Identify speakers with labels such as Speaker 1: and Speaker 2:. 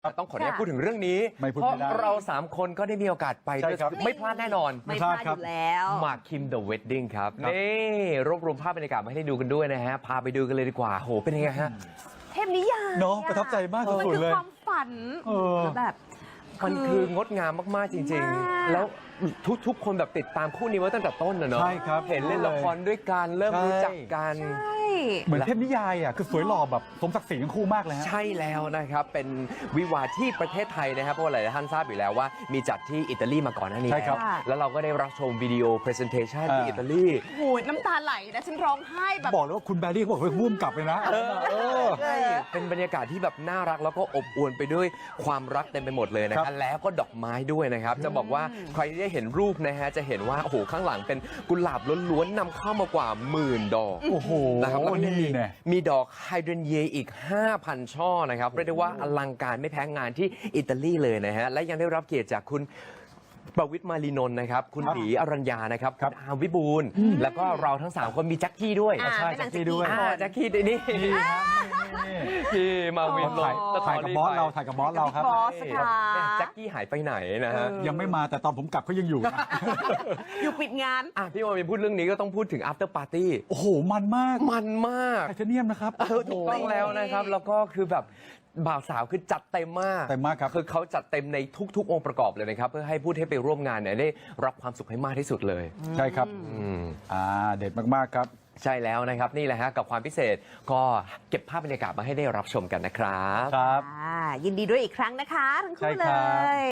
Speaker 1: ต้องขออนุญาตพูดถึงเรื่องนี้
Speaker 2: ไม่พูด
Speaker 1: เพราะ
Speaker 2: ไม่ได้
Speaker 1: เรา3 คนก็ได้มีโอกาสไป
Speaker 2: ใช่
Speaker 1: ด้วย
Speaker 2: ครับ
Speaker 1: ไม่พลาดแน่นอน
Speaker 3: ไม่พลาดอยู่แล้ว
Speaker 1: หมากคิม The Wedding ครับ
Speaker 2: ครับ
Speaker 1: นี่รวบรวมภาพบรรยากาศมาให้ได้ดูกันด้วยนะฮะ พาไปดูกันเลยดีกว่าโหเป็นยังไงฮะ
Speaker 3: เทพนิยาย
Speaker 2: เนาะประทับใจมาก
Speaker 3: มัน
Speaker 2: สุด
Speaker 3: คือ
Speaker 2: ๆเลย
Speaker 3: ความฝัน
Speaker 2: เออ
Speaker 3: แบบ
Speaker 1: มันคืองดงามมาก ๆ จริง
Speaker 3: มาก
Speaker 1: ๆ แล้วทุกคนแบบติดตามคู่นี้มาตั้งแต่ต้นนะเนาะ
Speaker 2: ใช่ครับ
Speaker 1: เห็นเล่นละครด้วยกันเริ่ม
Speaker 2: ใช่
Speaker 1: รู้จักกัน
Speaker 3: ใช่
Speaker 2: เหมือนเทพนิยายอ่ะคือสวยหล่อแบบสมศักดิ์ศรีทั้งคู่มากเลยฮะ
Speaker 1: ใช่แล้วนะครับ เป็นวิวาห์ที่ประเทศไทยนะครับ เพราะว่าหลายท่านทราบอยู่แล้วว่ามีจัดที่อิตาลีมาก่อนหน้านี้
Speaker 2: ใช่ครับ
Speaker 1: แล้วเราก็ได้รับชมวิดีโอ presentation ที่อิตาลี
Speaker 3: โหน้ำตาไหลนะฉันร้องไห้แบบ
Speaker 2: บอกเลยว่าคุณแบรี่เขาบอกว่าวุ่มกลับเลยนะเออ
Speaker 1: เป็นบรรยากาศที่แบบน่ารักแล้วก็อบอวลไปด้วยความรักเต็มไปหมดเลยนะค
Speaker 2: ครั
Speaker 1: รับบ แล้วก็ดอกไม้ด้วยนะครับ จะบอกว่าใครที่ได้เห็นรูปนะฮะจะเห็นว่าโอ้โหข้างหลังเป็นกุหลาบล้วนๆนำเข้ามากว่า10,000 ดอก
Speaker 2: โอ้โห
Speaker 1: นะครับแล้วก็ยัง
Speaker 2: นี่เนี่ย
Speaker 1: มีดอกไฮเดรนเยอีก 5,000 ช่อนะครับเรียกได้ว่าอลังการไม่แพ้งานที่อิตาลีเลยนะฮะและยังได้รับเกียรติจากคุณประวิตรมาลีนนท์นะครับคุณ
Speaker 2: ครับ
Speaker 1: หลีอรัญญานะครับ
Speaker 2: ครับ
Speaker 1: คุณอาร์มวิบูลย์แล้วก็เราทั้ง 3 คนมีแจ็คกี้ด้วย
Speaker 3: อ่า
Speaker 2: ใช่
Speaker 3: เป็นหนัง
Speaker 2: แจ็คกี้ด้วย
Speaker 1: แจ็คกี้นี่
Speaker 2: นี่ฮะนี่
Speaker 1: พี่มาวินล
Speaker 2: ถ่าย
Speaker 1: ง
Speaker 2: ถ่ายกับบอสเราถ่ายกับบอสเราครับ
Speaker 3: บอสค่ะ
Speaker 1: แจ็คกี้หายไปไหนนะฮะ
Speaker 2: ยังไม่มาแต่ตอนผมกลับเขายังอยู่นะ
Speaker 3: อยู่ปิดงาน
Speaker 1: พี่มาวินพูดเรื่องนี้ก็ต้องพูดถึง after party
Speaker 2: โอ้โหมันมาก
Speaker 1: มันมาก
Speaker 2: ไทเทเนียมนะครับ
Speaker 1: ถูกต้องแล้วนะครับ แล้วก็คือแบบบ่าวสาวคือจัดเต็มมาก
Speaker 2: เต็มมากครับ
Speaker 1: คือเขาจัดเต็มในทุกๆ องค์ประกอบเลยนะครับ เพื่อให้ผู้ที่ไปร่วมงานเนี่ยได้รับความสุขให้มากที่สุดเลย
Speaker 2: ใช่ครับ
Speaker 1: อืม
Speaker 2: เด็ดมากๆครับ
Speaker 1: ใช่แล้วนะครับ นี่แหละฮะกับความพิเศษก็เก็บภาพบรรยากาศมาให้ได้รับชมกันนะครับ
Speaker 2: ครับ
Speaker 3: ยินดีด้วยอีกครั้งนะคะทั้ง
Speaker 2: ใช่
Speaker 3: คู่เล
Speaker 2: ครับ
Speaker 3: ย